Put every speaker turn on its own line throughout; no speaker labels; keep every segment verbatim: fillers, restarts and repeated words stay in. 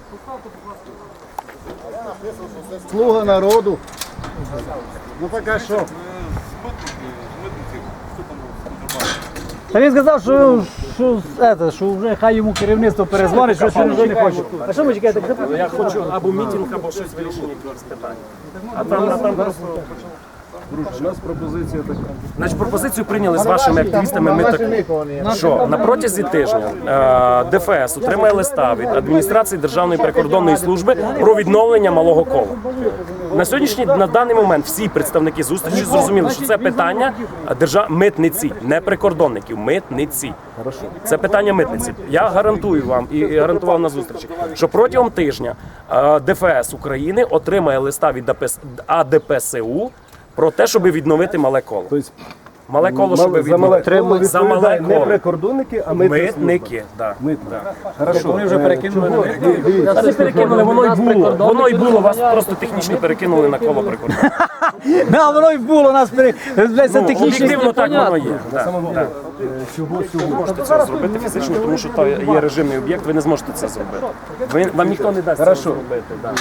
Слуга народу. Ну поки що.
Та він сказав, що, що, це, що вже хай йому керівництво перезвонить, що він вже не хоче. А що ви чекаєте?
Я хочу або мітинг, або щось вирішення якихось питань. А там, а там просто...
У нас пропозиція така.
Значить, пропозицію прийняли з вашими активістами. Ми так, що на протязі тижня е, ДФС отримає листа від адміністрації Державної прикордонної служби про відновлення малого кола. На сьогоднішній, на даний момент всі представники зустрічі зрозуміли, що це питання держав... митниці, не прикордонників, митниці. Це питання митниці. Я гарантую вам і гарантував на зустрічі, що протягом тижня е, ДФС України отримає листа від А Д П С У про те, щоб відновити мале коло. Мале коло, щоб відновити. За мале коло.
Не прикордонники, а митники.
Митники, так.
Хорошо.
Вони вже перекинули.
Та не перекинули, воно й було. Воно й було, вас просто технічно перекинули на коло прикордонника.
Да, воно й було, нас перекинули. Це технічно.
Об'єктивно так воно є. Да, да.
Чого
Ви можете це зробити фізично, тому що то є режимний об'єкт, ви не зможете це зробити. Ви, вам ніхто не дасть це зробити. Да.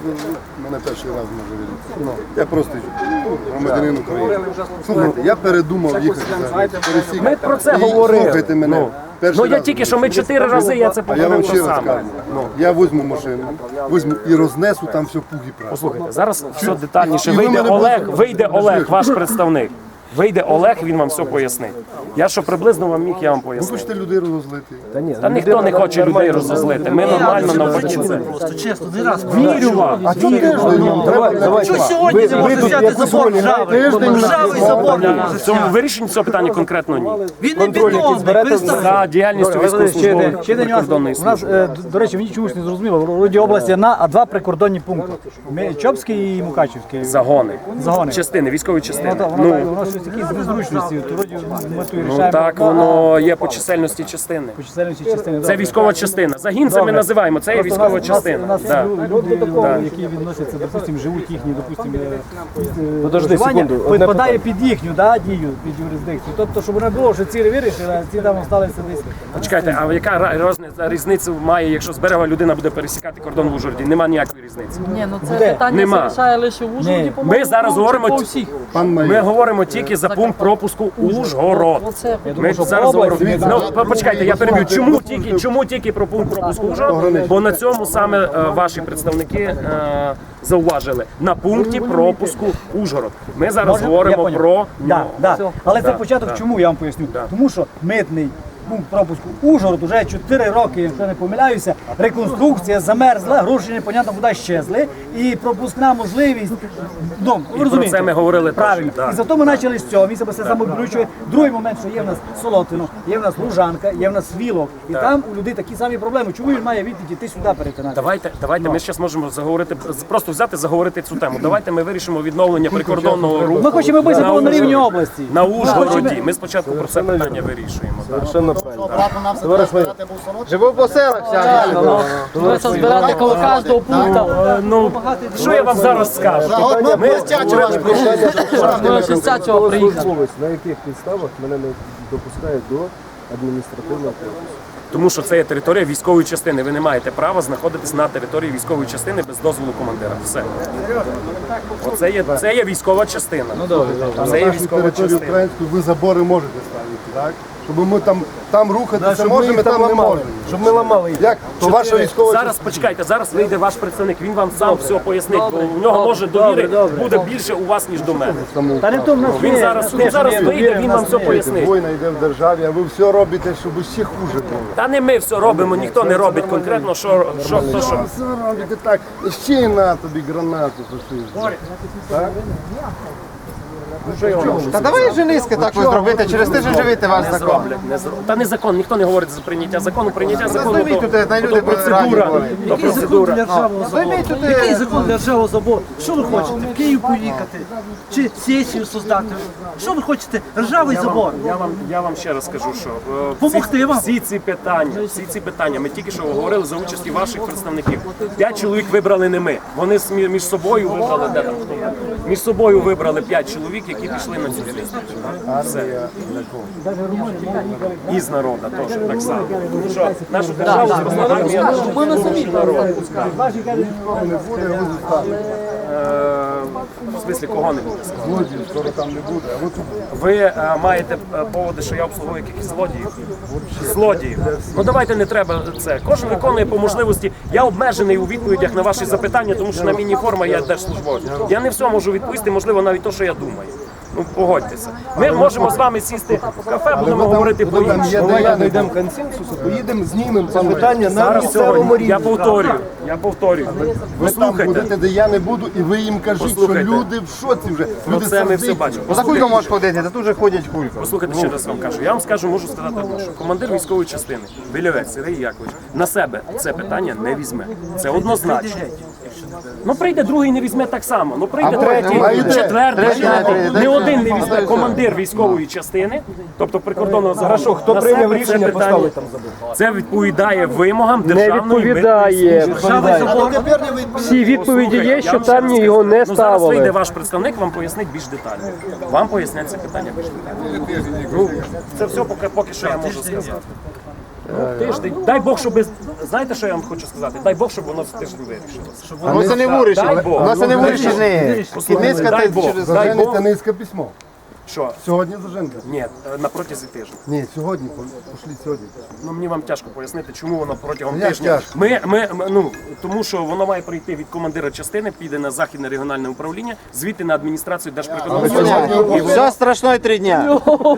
Мене перший раз може відбути. Я просто громадянин України. Слухайте, я передумав їхати за пересік.
Ми про це
І
говорили.
Слухайте мене.
Ну,
Перший
ну я
раз
тільки що ми чотири рази, я це
А я вам
повторив
ще
то
раз
саме.
кажу. Я візьму машину, візьму і рознесу там все пух і прах.
Послухайте, зараз все детальніше.
І ви
Вийде
мене
Олег,
будете-
вийде Олег, ваш представник. Вийде Олег, він вам все пояснить. Я що приблизно вам міг, я вам
Ви
пояснив.
хочете людей розозлити?
Та ніхто не хоче людей розозлити. Ми нормально навпаки це.
Просто чесно, не раз.
Вірю вам.
А чому тиждень?
Давай, давай.
Що сьогодні не може взяти забор ржавий? Ржавий забор не може
В цьому
взяти.
вирішенні цього питання конкретно ні.
Він не бетонний, перестань.
За діяльністю
Ще
військовослужбових
один нюанс.
прикордонної
У нас,
служби.
е, до речі, мені чомусь не зрозуміло. В Роді області одна, а два прикордонні пункти. Ми- Чопський і Мукачівський.
Загони.
Загони.
Частини, військові частини.
Ну, воно, так,
Ну,
воно щось якісь незручності. То вроді ми тут
ну
рішаємо.
так воно є по чисельності частини.
По чисельності частини.
Це
добре.
військова частина. Загін це ми
Добре.
називаємо, це є
Просто
військова
у нас-
частина.
У нас,
Да.
у нас люди, які відносяться, допустимо, живуть їхні, допустимо, е,
Подожди
проживання,
секунду, одне
підпадає під їхню да, дію, під юрисдикцію. Тобто, щоб не було, що ці вирішили, а ці там залишилися десь.
Почекайте, а яка ра- розниця- різниця має, якщо з берега людина буде пересікати кордон в Ужгороді? Нема ніякої різниці.
Ні, ну це
Буде?
питання
Нема.
залишає лише в Ужгороді,
Ні.
по-моєму.
Ми зараз
ну,
говоримо
по
ті-
всіх.
Пан
Ми
майор.
говоримо тільки за пункт пропуску Ужгород.
Оце
Ми
що
зараз
по області
говоримо.
ми
Ну, по- почекайте, я переб'ю. Чому тільки, чому тільки про пункт пропуску Ужгород? Бо на цьому саме е, ваші представники е, зауважили. На пункті пропуску Ужгород. Ми зараз
Я
говоримо
поняв.
про
Да, да. Але це
Да,
початок
да.
чому, я вам поясню. Тому що митний пункт пропуску Ужгород уже чотири роки, якщо не помиляюся, реконструкція замерзла, гроші непонятно куди щезли, і пропускна можливість, ну, ви розумієте.
це ми говорили теж,
правильно.
да.
І зато ми почали з цього, він себе все самовключує. Другий момент, що є в нас Солотино, є в нас Лужанка, є в нас Вілок, і там у людей такі самі проблеми. Чому він має відтіки йти сюди перетинати?
Давайте, давайте ми зараз можемо заговорити, просто взяти, заговорити цю тему. Давайте ми вирішимо відновлення прикордонного руху.
Ми хочемо, аби це
на
було на рівні
Ужгороді.
області.
На Ужгороді. Ми спочатку про це питання вирішуємо. да.
Совершенно правильно. Товариш майор.
Живу по селах
Ми це збирати коло кожного пункту.
Е, Ну, що я вам зараз скажу? Ми,
Ми шістдесят цього приїхали.
Словець, на яких підставах мене не допускають до адміністративного процесу?
тому що це є територія військової частини. Ви не маєте права знаходитись на території військової частини без дозволу командира. Все. Оце є, це є військова частина. Це є
Нашу
військова
територію
частина.
українську ви забори можете ставити, так? Щоб ми там, там рухатися
Щоб ми
можемо,
їх
там
там
не
ламали.
можемо.
Щоб ми ламали їх.
Як? То ваша військова
Зараз почекайте, зараз вийде ваш представник, він вам сам все пояснить, бо у нього може довіри буде більше у вас, ніж до мене.
Та не в тому,
Він зараз, він зараз вийде, він вам все пояснить.
війна йде в державі, а ви все робите, щоб ще хуже було.
Та не ми все робимо, ніхто не робить конкретно, що, що хто що.
Все робите так, ще й на тобі гранату фашизму.
Та давай жениськи так ось зробити, через тиждень живити ваш
Не
закон.
зроблять, не зроблять. Та не закон, ніхто не говорить за прийняття закону. Прийняття закону
зніміть
то,
тут, на
то,
люди
процедура.
раді
То процедура.
Займіть
тут,
Який закон для ржавого забору? Що ви хочете? В Київ поїхати? Чи сесію создати? Що ви хочете? Ржавий забор.
Я вам, я вам ще раз скажу, що е,
Помогти
всі,
вам?
всі ці питання, всі ці питання, ми тільки що говорили за участі ваших представників. П'ять чоловік вибрали не ми. Вони смі- між собою вибрали, де там хто? Між собою вибрали п'ять чоловік, які пішли на цю лінію.
Армія для кого?
Із народу теж так само. Тому що нашу державу зросла армія народ.
Не буде, його заставили.
В смислі, кого не буде?
Злодіїв скоро там не буде, а от
Ви е, маєте е, поводи, що я обслуговую якихось злодіїв? Злодіїв. Ну давайте не треба це. Кожен виконує по можливості. Я обмежений у відповідях на ваші запитання, тому що на міні форма я держслужбовець. Я не все можу відповісти, можливо, навіть те, що я думаю. Ну, погодьтеся. Ми можемо з вами сісти в кафе, будемо говорити по
Там є,
іншому.
де я знайдемо консенсусу, поїдемо, знімемо це питання на
Зараз
місцевому
сьогодні
рівні.
я повторюю. Я повторюю. Ви
ви там будете,
слухайте.
де я не буду, і ви їм кажіть, що
Послухайте.
люди в шоці вже.
Ну
Люди
це ми все
сердиті.
бачимо.
За кулько можеш ходити, та тут же ходять кулько.
Послухайте, ще раз вам кажу. Я вам скажу, можу сказати одне, що командир військової частини Білявець Сергій Якович на себе це питання не візьме. Це однозначно. Ну прийде другий, не візьме так само. Ну прийде третій,
а йде.
четвертий,
Третій не
п'ятий.
прийде.
Не один не візьме командир військової частини, тобто прикордонного загону.
Хто
на
прийняв
себе
рішення
це питання.
поставити там забув?
Це відповідає вимогам державної
відповідає.
митної
Всі відповіді є,
Я
що
вам ще
там
раз
його
скажу.
не
Ну, зараз вийде
ставили.
ваш представник, вам пояснить більш детально. Вам пояснять це питання більш детально. Ну, це все поки, поки що я можу сказати. Ну, тиждень. Дай Бог, щоб... Знаєте, що я вам хочу сказати? Дай Бог, щоб воно в тиждень вирішилося.
Воно це не
Дай
вирішить.
Бог.
Воно це не вирішить.
Послухайте,
Кінецька
дай
та
Бог.
через
Дай
Заженете
Бог.
низьке письмо.
Що?
Сьогодні заженете?
Ні, на протязі тижня.
Ні, сьогодні, пошліть сьогодні.
Ну мені вам тяжко пояснити, чому воно протягом
Ну, як
тижня.
тяжко?
Ми, ми, ми, ну тому що воно має прийти від командира частини, піде на західне регіональне управління, звідти на адміністрацію Держприкордонслужби.
Все страшно і три дня.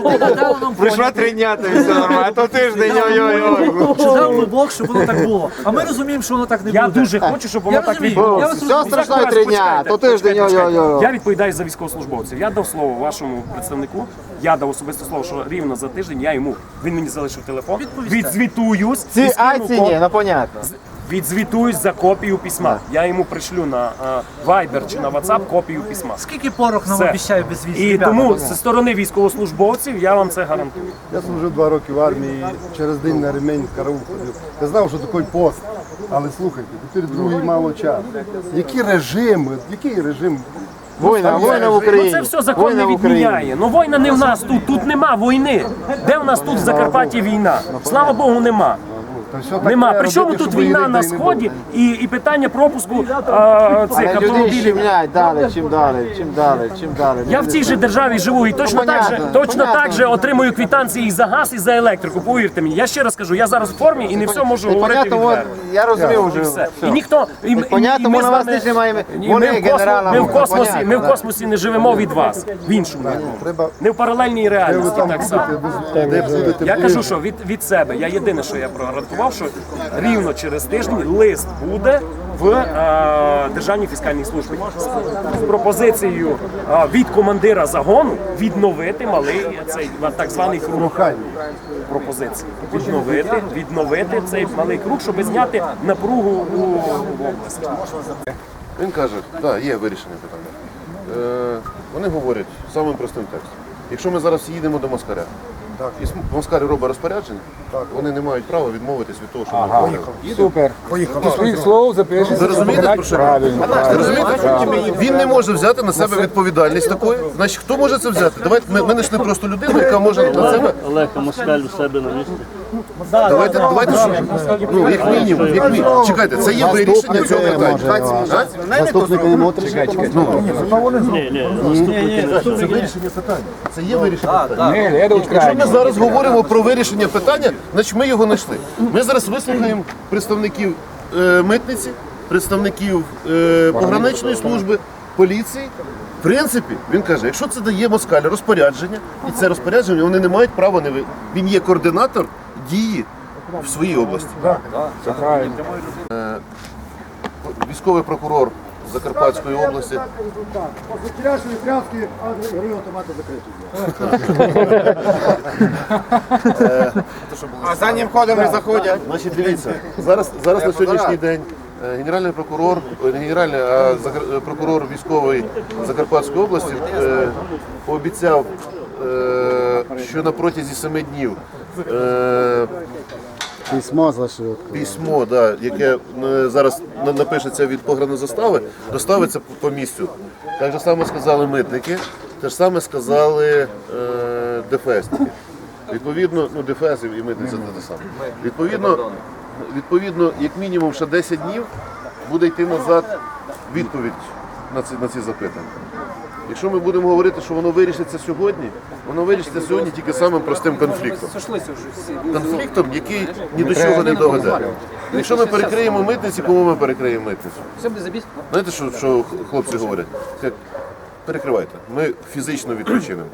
Прийшло три дня, то все нормально. А то тиждень, ой-ой-ой.
Чи дав би Бог, щоб воно так було? А ми розуміємо, що воно так не буде.
Я дуже хочу, щоб воно
Я
так
розумію,
відбулося.
я вас
Все страшно і три дня, то тиждень, ой-ой-ой.
Я відповідаю за військовослужбовців. Я дав слово вашому представнику. Я дав особисте слово, що рівно за тиждень я йому. Він мені залишив телефон. Відзвітуюсь. і
Ці
скину
айці ні, ну понятно.
Відзвітуюсь за копію письма. Я йому пришлю на е, Viber чи на WhatsApp копію письма.
Скільки порох нам
Все.
обіцяє без віз?
І тому зі сторони військовослужбовців я вам це гарантую.
Я служив два роки в армії, через день на ремень в караул ходив. Я знав, що такий пост. Але слухайте, тепер другий мало часу. Які режими, який режим?
Війна, війна в
Ну
Україні.
це все закон
Війна
не
в Україні.
відміняє. Ну війна не в нас тут, тут нема війни. Де в нас тут в Закарпатті війна? Слава Богу, нема.
Та все так
Нема.
треба
Причому
робити,
тут
щоб
війна
війни
на
та й не
сході
було.
і, і питання пропуску а, цих
Але людей
автомобілів.
щемлять далі, чим далі, чим далі, чим далі.
Я в цій же державі живу і точно
Ну,
так же,
понятно,
точно
понятно.
так же отримую квитанції і за газ, і за електрику. Повірте мені. Я ще раз кажу, я зараз в формі і не все можу
І
говорити
понятно, от,
відверто.
я розумію
І
вже.
все.
все.
І ніхто і, і,
понятно,
і ми
ми
з
на вас
вами-
теж не маємо.
і
Вони
ми в космосі,
генерала
ми в
можна,
космосі,
понятно,
ми в
да.
космосі не живемо від вас. В іншому.
Треба,
Не в паралельній
де ви
реальності
там
так само.
будете, де будете
Я
ближче.
кажу, що від, від себе, я єдине, що я прогарантував, що рівно через тиждень лист буде в е, Державній фіскальній службі з пропозицією е, від командира загону відновити малий цей так званий круг пропозиції. Відновити, відновити цей малий круг, щоб зняти напругу у, в області.
Він каже, так, є вирішення питання. Е, вони говорять самим простим текстом. Якщо ми зараз їдемо до Москаля, і см- Москаль робить розпорядження, вони не мають права відмовитись від того, що ми говорили.
Супер. Ти своїх слов запишеш.
Ви розумієте, про що?
Правильно.
Ви розумієте? Він не може взяти на себе відповідальність такої. Значить, хто може це взяти? Давайте ми, ми знайшли просто людину, яка може на себе.
Олег Москаль у себе на місці.
Давайте, давайте що? Ну, як мінімум, як мінімум. Чекайте, це є вирішення цього питання. А?
Заступника не може. Чекай, чекай.
Ні, ні, заступники не
Це вирішення питання. Це є вирішення питання.
Не, леду
Якщо ми зараз говоримо про вирішення питання, значить ми його знайшли. Ми зараз вислухаємо представників е, митниці, представників е, пограничної служби, поліції. В принципі, він каже, якщо це дає Москаль розпорядження, і це розпорядження, вони не мають права не ви. Він є координатор дії в своїй області. Е, військовий прокурор Закарпатської області.
А за ним ходом не заходять.
Значить, дивіться, зараз, зараз на сьогоднішній день е, генеральний прокурор, е, не генеральний, а закар- е, прокурор військової Закарпатської області е, пообіцяв, е, що на протязі семи днів е,
Письмо залишили.
письмо, да, яке е, зараз на- напишеться від погранзастави, доставиться по- по місцю. Так же само сказали митники. Те ж саме сказали е, ДФСники. Відповідно, ну ДФС і митниця це те саме. Відповідно, відповідно, як мінімум ще десять днів буде йти назад відповідь на ці, на ці запитання. Якщо ми будемо говорити, що воно вирішиться сьогодні, воно вирішиться сьогодні тільки самим простим конфліктом. Конфліктом, який ні до чого не доведе. Якщо ми перекриємо митниці, кому ми перекриємо митницю? Знаєте, що, що хлопці говорять? Як, перекривайте, ми фізично відпочинемо.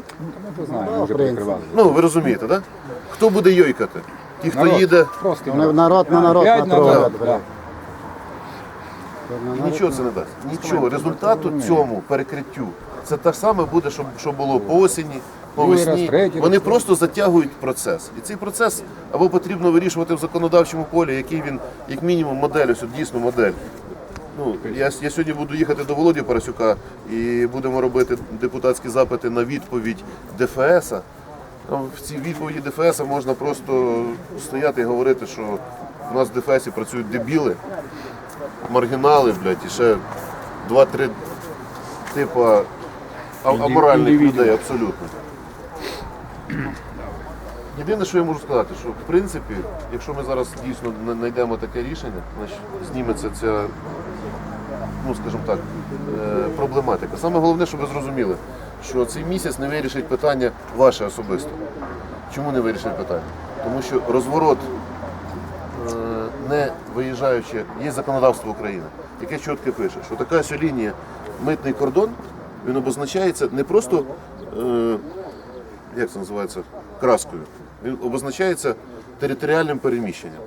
Ну, ви розумієте, так? Да? Хто буде йойкати? Ті, хто їде.
Народ на народ на народ.
Нічого це не дасть. Нічого. Результату цьому перекриттю це те ж саме буде, що, що було по осені, по весні. Вони просто затягують процес. І цей процес або потрібно вирішувати в законодавчому полі, який він, як мінімум, модель, ось от дійсно модель. Ну, я, я сьогодні буду їхати до Володі Парасюка і будемо робити депутатські запити на відповідь ДФС. В цій відповіді ДФС можна просто стояти і говорити, що у нас в ДФСі працюють дебіли, маргінали, блядь, і ще два-три типа аморальних людей абсолютно. Єдине, що я можу сказати, що в принципі, якщо ми зараз дійсно знайдемо таке рішення, значить зніметься ця, ну скажімо так, проблематика. Саме головне, щоб ви зрозуміли, що цей місяць не вирішить питання ваше особисто. Чому не вирішить питання? Тому що розворот, не виїжджаючи, є законодавство України, яке чітко пише, що така ось лінія митний кордон, він обозначається не просто, е, як це називається, краскою, він обозначається територіальним переміщенням.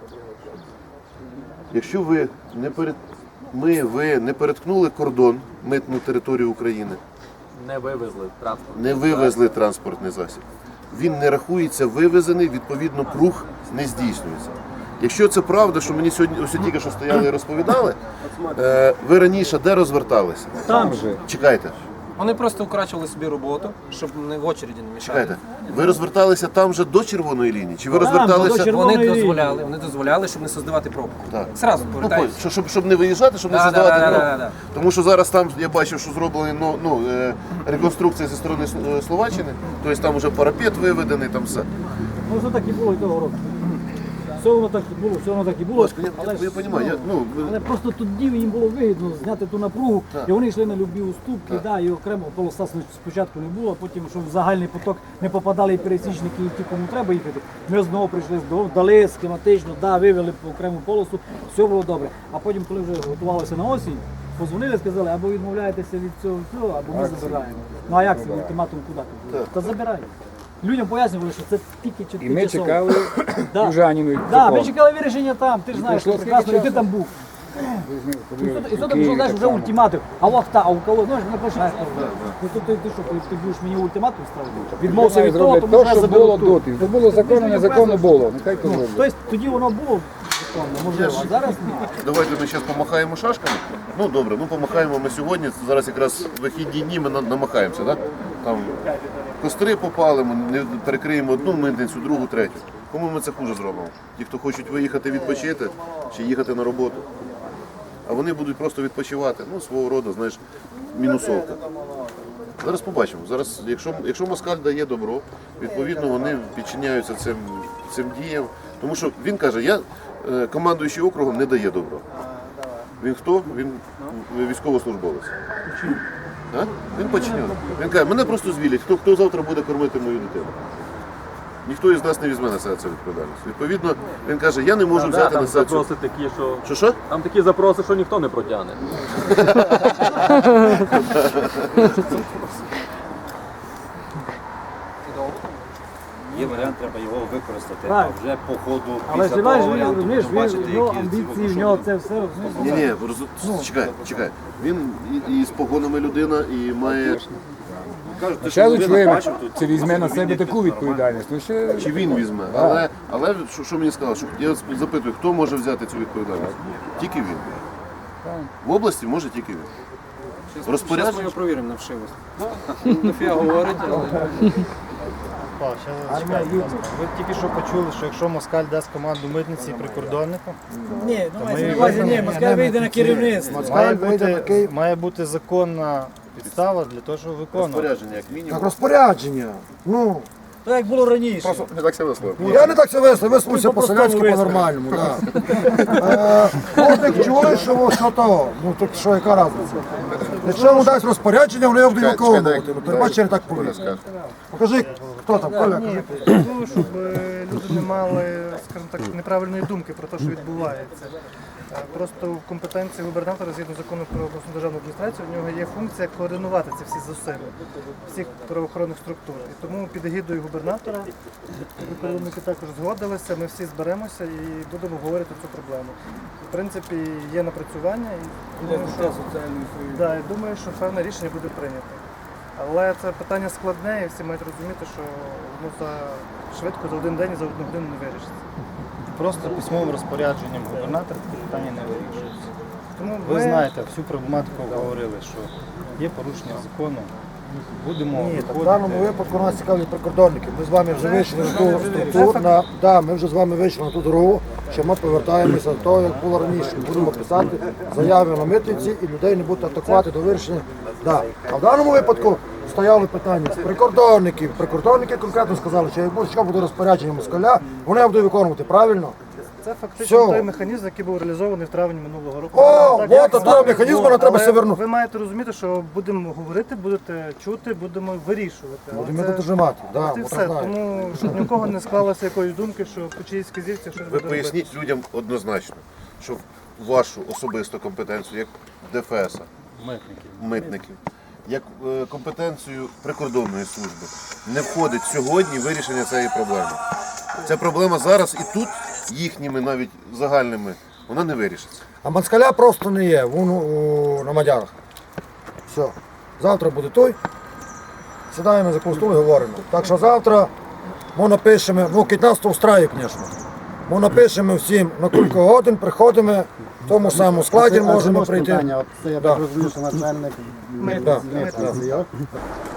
Якщо ви не перед... ми, ви не переткнули кордон, митну територію України,
Не вивезли транспорт.
не вивезли транспортний засіб, він не рахується вивезений, відповідно круг не здійснюється. Якщо це правда, що мені сьогодні ось тільки що стояли і розповідали, е, ви раніше де розверталися?
Там же.
Чекайте,
Вони просто вкрачували собі роботу, щоб не в очереді не мішати.
чекайте. Ви розверталися там же до червоної лінії? Чи ви
Там,
розверталися?
до червоної
Вони
лінії.
дозволяли, вони дозволяли, щоб не создавати пробку.
Так.
Зразу
Ну,
повертаються.
щоб, щоб, щоб не виїжджати, щоб не
Да,
создавати
да, да,
пробку.
да, да.
Тому що зараз там я бачив, що зроблені ну, ну, е, реконструкція зі сторони С- Словаччини, тобто там вже парапет виведений, там все.
Ну, це так і було і того року. Все воно так і було, все воно так і було.
Я,
Але,
я,
ж,
я розумію, я, ну,
але просто тоді їм було вигідно зняти ту напругу, і вони йшли на любі уступки, да, і окремо полоса спочатку не було, а потім, щоб в загальний поток не попадали і пересічники, і ті, кому треба їхати. Ми знову прийшли, дали схематично, да, вивели по окрему полосу, все було добре. А потім, коли вже готувалося на осінь, позвонили, сказали, або відмовляєтеся від цього всього, або ми забираємо. Ну а як це ультиматум куди? Та забираємо. Людям пояснювали, що це тільки чотири
І ми
часов.
чекали
Да.
Южаніну.
Да, ми чекали вирішення там, ти ж знаєш,
пройшло
прекрасно, і
скільки
ти там був. І що ти вже знаєш, вже ультиматум. А в авто, а у кого, знаєш, не пишеш. Ну то ти, ти що, ти, ти будеш мені ультиматум ставити? Відмовся від того, тому
то,
що я
що було
заберу тут.
доти. Це було законно, незаконно було. Нехай то зроблять.
Тобто тоді воно було законно, можливо, а зараз ні.
Давайте ми зараз помахаємо шашками. Ну добре, ну помахаємо ми сьогодні. Зараз якраз вихідні дні ми на- намахаємося, да? Там костри попалимо, не перекриємо одну митницю, другу, третю. Кому ми це хуже зробимо? Ті, хто хочуть виїхати відпочити чи їхати на роботу. А вони будуть просто відпочивати. Ну, свого роду, знаєш, мінусовка. Зараз побачимо. Зараз, якщо, якщо москаль дає добро, відповідно вони підчиняються цим, цим діям. Тому що він каже, я е, командуючий округом не дає добро. Він хто? Він військовослужбовець. А? Він починений. Він каже, мене просто звілять, хто, хто завтра буде кормити мою дитину. Ніхто із нас не візьме на себе цю відповідальність. Відповідно, він каже, я не можу взяти на себе цю...
Запроси такі, що
Що що?
там такі запроси, що ніхто не протягне.
Є варіант, треба його використати,
Так.
а вже по ходу
Але
після
ж
того
знаєш, він,
варіанту
розумієш,
побачити,
він, в нього
які
амбіції, в
що
нього
буде.
це все.
Ні, ні, роз- чекай, чекай. Він і, і з погонами людина, і має... Кажуть, те, що
Ще
людина
чоловік
бачив тут.
це візьме на себе таку відповідальність. Ну, ще...
Чи він візьме? Але, але що, що мені сказали? Що, я запитую, хто може взяти цю відповідальність? Тільки він. В області може тільки він.
Зараз ми
Розпорядження.
його провіримо на вшивость. Дофіга говорить, але...
Ви тільки що почули, що якщо москаль дасть команду митниці і прикордоннику,
Ні, ну
ми
мається на увазі, ні, москаль вийде на керівництво.
має бути, має бути законна підстава для того, щоб виконувати.
Розпорядження, як мінімум.
Так розпорядження. Ну,
То як було раніше.
Просто не так себе висловив.
я не так це висловив, висловився по-селянськи, по-нормальному. Да. Е, Кожник чує, що во- що того. Ну, так що, яка разниця? Якщо йому дасть розпорядження, вони його будуть виконувати. Ну, передбачте, не так повинно. Покажи, хто там, Коля, кажи.
Для того, щоб е, люди не мали, скажімо так, неправильної думки про те, що відбувається. Е, Просто в компетенції губернатора, згідно закону про обласну державну адміністрацію, в нього є функція координувати ці всі зусилля всіх правоохоронних структур. І тому під егідою губернатора прикордонники також згодилися, ми всі зберемося і будемо говорити цю проблему. В принципі, є напрацювання і думаю, що, да, і думаю, що певне рішення буде прийнято. Але це питання складне, і всі мають розуміти, що воно за швидко за один день і за одну годину не вирішиться. Просто письмовим розпорядженням губернатора це питання не вирішується. Тому Ви ми- знаєте, всю проблематику говорили, що є порушення закону. Будемо
Ні, так в
виходити.
даному випадку нас цікавлять прикордонники. Ми з вами вже вийшли на ту структуру, на, да, ми вже з вами вийшли на ту дорогу, що ми повертаємося до того, як було раніше. Будемо писати заяви на митниці і людей не будуть атакувати до вирішення. Да. А в даному випадку стояли питання з прикордонників. Прикордонники конкретно сказали, що як буде- буде розпорядження москаля, вони будуть виконувати, правильно?
Це фактично
Все.
той механізм, який був реалізований в травні минулого року.
О,
Так,
от
як
до
з
того
нами
механізму
було,
нам треба
але
все вернути.
Ви маєте розуміти, що будемо говорити, будете чути, будемо вирішувати. Але
Будемо
це-
дожимати. Да,
от і
от
все.
так знаю.
Тому щоб ні у кого не склалося якоїсь думки, що по чиїсь вказівці щось
Ви
буде робити.
поясніть людям однозначно, що в вашу особисту компетенцію, як ДФС,
Митників.
митників, як е, компетенцію прикордонної служби, не входить сьогодні вирішення цієї проблеми. Ця проблема зараз і тут, їхніми навіть загальними, вона не вирішиться.
А москаля просто не є, він у, на Мадярах. Все. Завтра буде той. Сідаємо за стул і говоримо. Так що завтра ми напишемо, ну кіть нас то встрає, звісно. Ми напишемо всім, на кілька годин приходимо, в тому самому складі можемо прийти.
Це я
Да.
так розумію, що начальник
Да.
митниці,